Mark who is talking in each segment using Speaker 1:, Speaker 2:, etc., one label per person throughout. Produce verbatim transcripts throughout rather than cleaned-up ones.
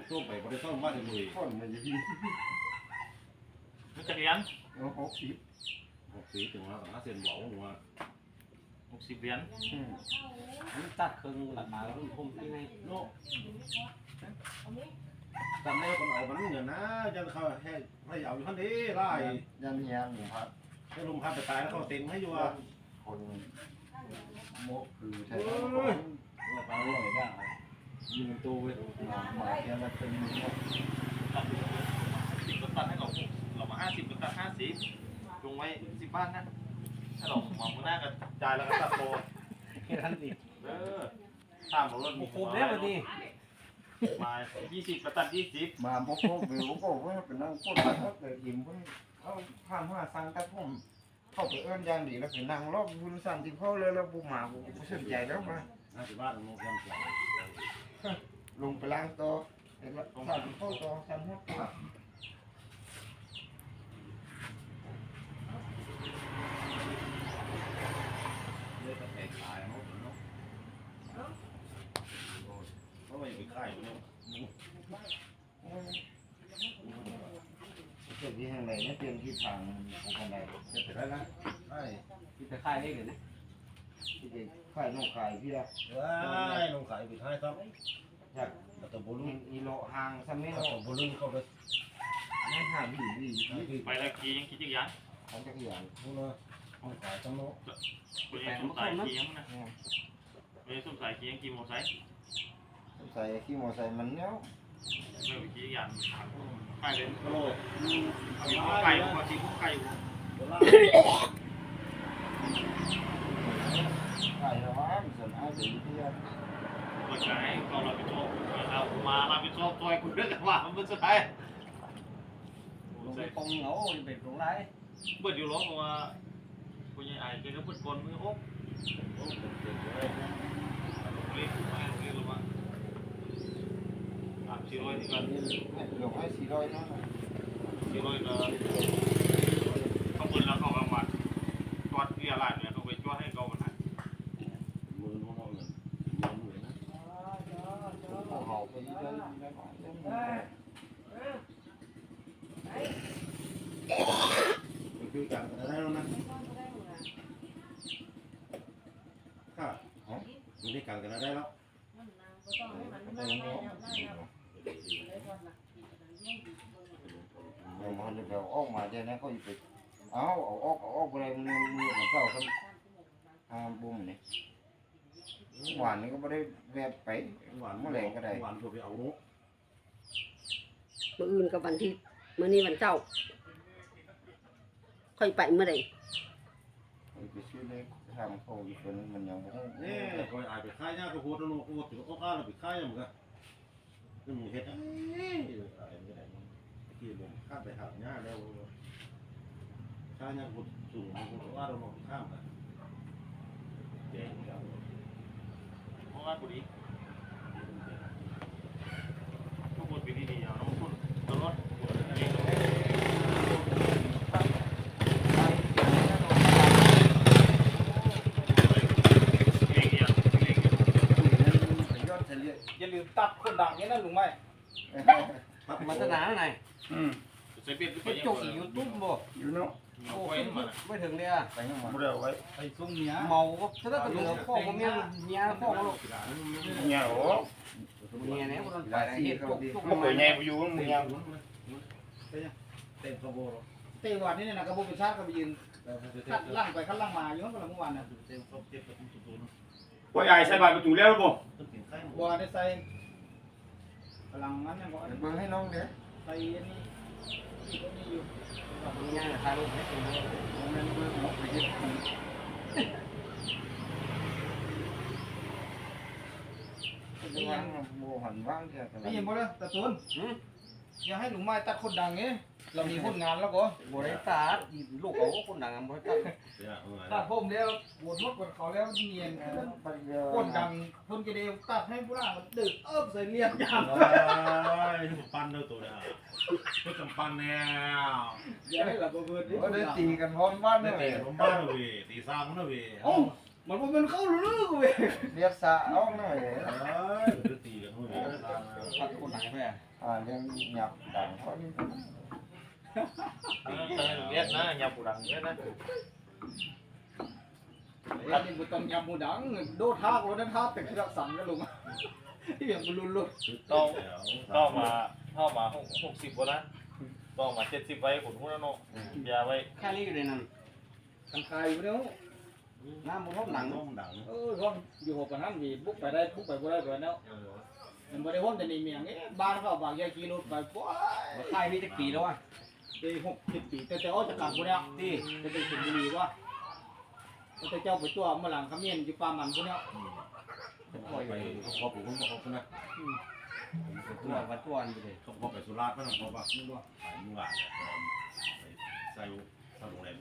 Speaker 1: ส้มไปบริส้มบ้านเลยคนมันจะดี
Speaker 2: มันจะเหรียญ
Speaker 1: หกสิบหกสิบถึงว่าห้าเซนบอกว่า
Speaker 2: หกสิบเหรียญ
Speaker 3: มันตัดครึ่งหลักมาแล้วมันพุ่มที่ไงโลก
Speaker 1: จำได้คนเอามันอย่างนะจะเขาแค่ไม่เอาอยู่ท่านนี้ไล่ยันเฮียหนุ่มพัดให้ลุงพัดไปตายแล้วเขาเต็งให้อยู่ว่าคนโมคือใช่ไหมว่าปลาลอยได้ยิงตัวไปมาแค่มาเป็น
Speaker 2: ตัดสิบก็ตัดให้เราเรามาห้าสิบก็ตัดห้าสิบลงไว้สิบบ้านนะถ้าเรามองหน้ากันจ่ายแล้วก็ตัดโต
Speaker 3: แค่นั้นสิ
Speaker 2: เออตามของรถมี
Speaker 3: ครบแล้ววันนี้
Speaker 2: มายี่สิบก็ตัดยี่สิบ
Speaker 1: มาพวกพวกวิวก็ว่าเป็นนั่งพูดแล้วก็เกิดยิ้มเพิ่งเขาผ่านว่าสั่งแต่ผมเข้าไปเอื้อนยางดีแล้วเป็นนั่งรอบบุญสั่นที่เขาเลยแล้วบุหมาบุสนใจแล้วมาน่าจะว่าลงกันลงไปล้างตัวเห็นแล้วสั่นเข้าตัวสั่นหัวตัวเลยตะแคงตายเนาะเนาะเพราะว่าอยู่ใกล้ๆเนาะเกิดที่ทางไหนเนี่ยเตรียมที่ทางของทางใดจะไปได้นะได้ที่จะค่ายได้เลยนะที่จะค่ายนกไข่พี่ละว้ายนกไข่ไปท้ายครับจากตัวบุรุษอีโลหางซัมเมโลบุรุษเขาไปไม่หาดีดี
Speaker 2: ไปแล้วกี่ยังคิดยังยัน
Speaker 1: ของจักรยานพวกเราห้องขายจังโล
Speaker 2: คุณยังสงสัยกี่ยังนะคุณยังสงสัยกี่ยังกี่โมไซค์
Speaker 1: ใส่ขี้มอไซค์มันเนี้ย
Speaker 2: ไม่ไปกี่ยันไก่เลยโลเอาอยู่ไก่อยู่พอทิ้งไก่อยู่
Speaker 1: ไก่ละวันส่วนเอาดีที่อ่ะ
Speaker 2: ก็ใช้ก็เราไปโชว์เอามาเราไปโชว์ตัวคุณเรื่องว่ามันจะได้
Speaker 3: ลงไปปงเหงาเป็นตรงไร
Speaker 2: เบิดอยู่ร้องเพราะว่าคุณยายไอ้แกก็เบิดคนมือโอ๊กโอ๊กเล็กมาเล็กลงมาอ่ะสี่ร้อยนี่ก่อน
Speaker 1: หลงให้สี่ร้อยนะ
Speaker 2: สี่ร้อยก็เขาเบิดแล้วเขาเอามาจอดเรียอะไรเนี่ยเขาไปจอดให้เขามันนะ
Speaker 1: มือน้องๆเลยมือเลยนะเขาเห่าไปเรื่อยๆคือการอะไรแล้วนะค่ะมันได้การกันได้แล้วเรามาเดี๋ยวออกมาเดี๋ยวนี้เขาอยู่ไปเอาเอาออกเอาออกอะไรมันมันมันเข้ากันอ่าบุ้มนี่หวานนี่ก็ไม่ได้แวบไปหวานเมื่อไรก็ได้หวานตัวไปเอาโน้
Speaker 4: มื้ออื่นกับวันที่มื้อนี้วันเจ้าค่อยไปเมื่อใด
Speaker 1: ไปซื้อเลยทำเขาอยู่คนมันยังไม่ได้เนี่ยคอยอายไปค่ายเนี่ยก็พูดแล้วพูดถึงโอ้ข้าเราไปค่ายยังไงนี่มึงเห็ดอะไรอะไรไม่ได้ที่ผมข้ามไปหาหน้าแล้วค่ายเนี่ยพูดสูงพูดว่าเรามองข้ามกันเจ๋งแล้ว
Speaker 2: เพราะว่าปุ๋ยทุกคนปีนี้ดีอย่างน้องคุณตลอด
Speaker 3: อย่าลืมตัดคนดังนี้นะลุงไม่มันจะหนาไหนอืมไปจกอียูทูบบ่
Speaker 1: อยู่เนาะ
Speaker 3: โอ้ยไม่ถึงเลยอ่ะ
Speaker 1: ไปยังไม่ได้ไว้
Speaker 3: ไปซุ่มเนี้ยเมาก็ถ้าจะเหลือพ่อผมเนี้ยเนี้ยพ่อเขาลูก
Speaker 1: เนี้ยโอ้
Speaker 3: เนี้ยเนี่ยคนไปเฮ็ดจกจก
Speaker 1: มันเคยแย่ไปอยู่มึงยัง
Speaker 3: เต็มกระโบเต็มวันนี้เนี่ยนะกระโบเป็นชาติกระบยืนคัดล่างไปคัดล่างมาอยู่ข้างหลังเมื่อวานน่ะ
Speaker 5: ว่าใหญ่ใส่บาตรประตูแล้วบ่
Speaker 3: บัวได้ใส่พลังนั้นเนี่ยบ่
Speaker 1: เบิ่งให้น้องเด้อ
Speaker 3: ใส่อันนี้ที่ก็มีอยู่กับมึงย่างถ่ายรูปให้ดูมันเบิ่งหมดไปยึด
Speaker 1: ว่างโมหันว่างแค่
Speaker 3: ไม่ยินบ่เด้อตะตุนอย่าให้ลุงไม้ตัดคนดังนี้เรามีคนงานแล้วก็บ่ได้ตัดลูกเขาคนดังบ่ได้ตัดตัดผมแล้วปวดมดปวดเขาแล้วเนียนคนดังคนกระเดียวตัดให้ผู้ล่ามันดึกเอิบใส่เรียบยาม
Speaker 2: ปั้นเด้อตัวเนี่ยเพื่อกำปั้นแนว
Speaker 3: อย่าให้หลับเบิดดิ
Speaker 1: ได้ตีกันพร้อมบ้าน
Speaker 2: เลยพร้อมบ้านเลยตีสร้างนะเว้ย
Speaker 3: โอ้มันมันเข้าลึกเว้ย
Speaker 1: เรียกสะเอาหน่อย
Speaker 2: เอ้ยตีกันเว้ย
Speaker 3: ตัดคนดังเพื่อ
Speaker 5: อ่าเรื่องหยับดังเขานี่
Speaker 2: เออเตยเวียดนะยาปูดังเวียดนะ
Speaker 3: เอ้ยนี่บุตรยำหมูดังโดดท่าคนนั้นท่าแต่ที่รักสั่งกันลุงที่อย่างบุรุษลุ
Speaker 2: ต้องต้องมาเข้ามาหกหกสิบกว่านะต้องมาเจ็ดสิบไว้ขุนหุ้นแล้วเนาะยาไว้
Speaker 3: แค่นี้อยู่ในนั้นทางใครอยู่เนาะน้ำมันร้อนหนัง
Speaker 1: น้องดัง
Speaker 3: เออร้อนอยู่หกกันนั่นดีบุกไปได้บุกไปบ่ได้แบบนั้นมันบ่ได้ห้องแต่ในเมียงนี่บ้านเขาบางยากิโลไปป้ายใครนี่จะกี่แล้ววะได้หกสิบปีแต่แต่อ้อจะกลับบ่แล้วนี่จะเป็นสิงห์บุรีวะแต่เจ้าไปตัวเมื่อหลังขมิ้นอยู่ปลามันพวกเนี้ย
Speaker 1: ไปพอผมก็พอนะ
Speaker 3: ตัววัดตัวนี่เลย
Speaker 1: พอไปสุราษฎร์ก็ต้องพอปะนี่ด้วยไปมุ่งหลานใส่ใส่โรงแรมดู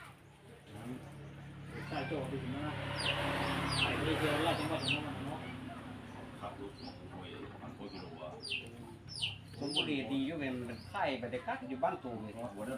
Speaker 3: ใช่โจ้ดูนะไอ้เรื่องเล่าจังหวัดของมันเนาะ
Speaker 1: ขับรถของหวยพันกิโลอ่ะ
Speaker 3: สมบูรณ์ดีอยู่เป็นไข่ไปแต่กัดอยู่บ้านตูเลย
Speaker 1: หัวเด้อ